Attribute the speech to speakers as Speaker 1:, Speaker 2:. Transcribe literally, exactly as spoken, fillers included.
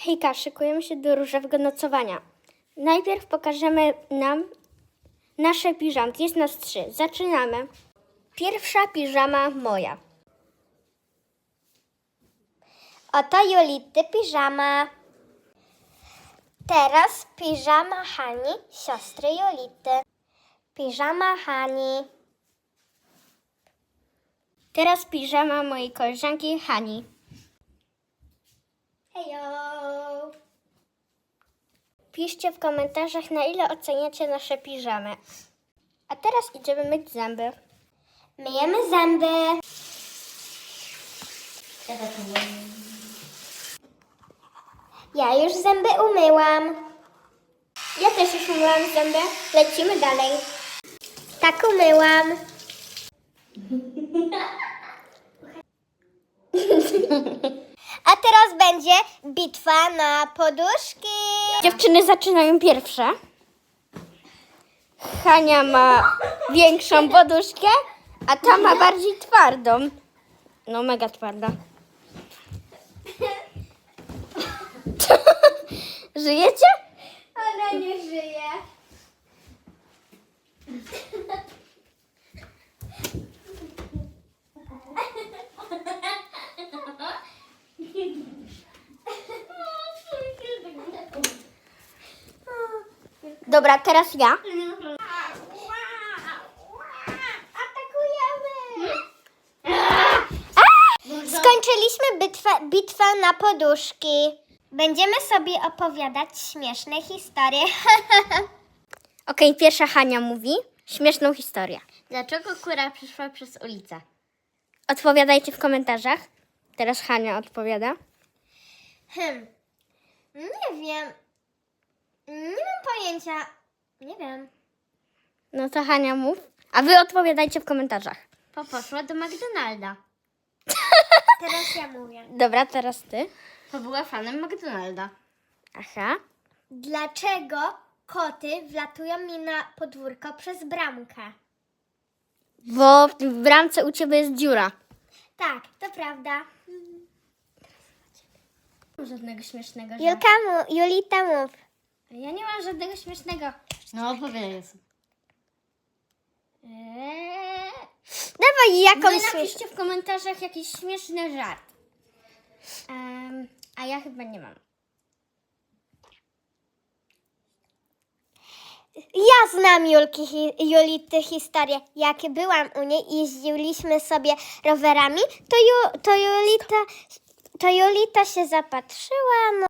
Speaker 1: Hejka, szykujemy się do różowego nocowania. Najpierw pokażemy nam nasze piżamki. Jest nas trzy. Zaczynamy. Pierwsza piżama moja.
Speaker 2: Oto Julity piżama. Teraz piżama Hani, siostry Julity. Piżama Hani.
Speaker 1: Teraz piżama mojej koleżanki Hani.
Speaker 2: Hejo!
Speaker 1: Piszcie w komentarzach, na ile oceniacie nasze piżamy. A teraz idziemy myć zęby.
Speaker 2: Myjemy zęby. Ja już zęby umyłam.
Speaker 1: Ja też już umyłam zęby. Lecimy dalej.
Speaker 2: Tak umyłam. A teraz będzie bitwa na poduszki.
Speaker 1: Dziewczyny zaczynają pierwsze. Hania ma większą poduszkę, a ta ma bardziej twardą. No mega twarda. Żyjecie?
Speaker 2: Ona nie żyje.
Speaker 1: Dobra, teraz ja.
Speaker 2: Atakujemy! Skończyliśmy bitwę, bitwę na poduszki. Będziemy sobie opowiadać śmieszne historie.
Speaker 1: Okej, pierwsza Hania mówi śmieszną historię.
Speaker 2: Dlaczego kura przyszła przez ulicę?
Speaker 1: Odpowiadajcie w komentarzach. Teraz Hania odpowiada.
Speaker 2: Hmm. Nie wiem. Nie mam pojęcia. Nie wiem.
Speaker 1: No to Hania mów. A wy odpowiadajcie w komentarzach.
Speaker 2: Bo poszła do McDonalda. Teraz ja mówię.
Speaker 1: Dobra, teraz ty.
Speaker 2: Bo była fanem McDonalda.
Speaker 1: Aha.
Speaker 2: Dlaczego koty wlatują mi na podwórko przez bramkę?
Speaker 1: Bo w bramce u ciebie jest dziura.
Speaker 2: Tak, to prawda.
Speaker 1: Nie mam żadnego śmiesznego żartu.
Speaker 2: Julka mu, Julita mów.
Speaker 1: Ja nie mam żadnego śmiesznego.
Speaker 3: No opowiadaj.
Speaker 1: Eee...
Speaker 2: Dawaj
Speaker 1: Wy
Speaker 2: jakąś śmieszną.
Speaker 1: napiszcie w komentarzach jakiś śmieszny żart. Um, a ja chyba nie mam.
Speaker 2: Ja znam Julki, hi, Julity historię. Jak byłam u niej i jeździliśmy sobie rowerami, to, Ju, to, Julita, to Julita się zapatrzyła, no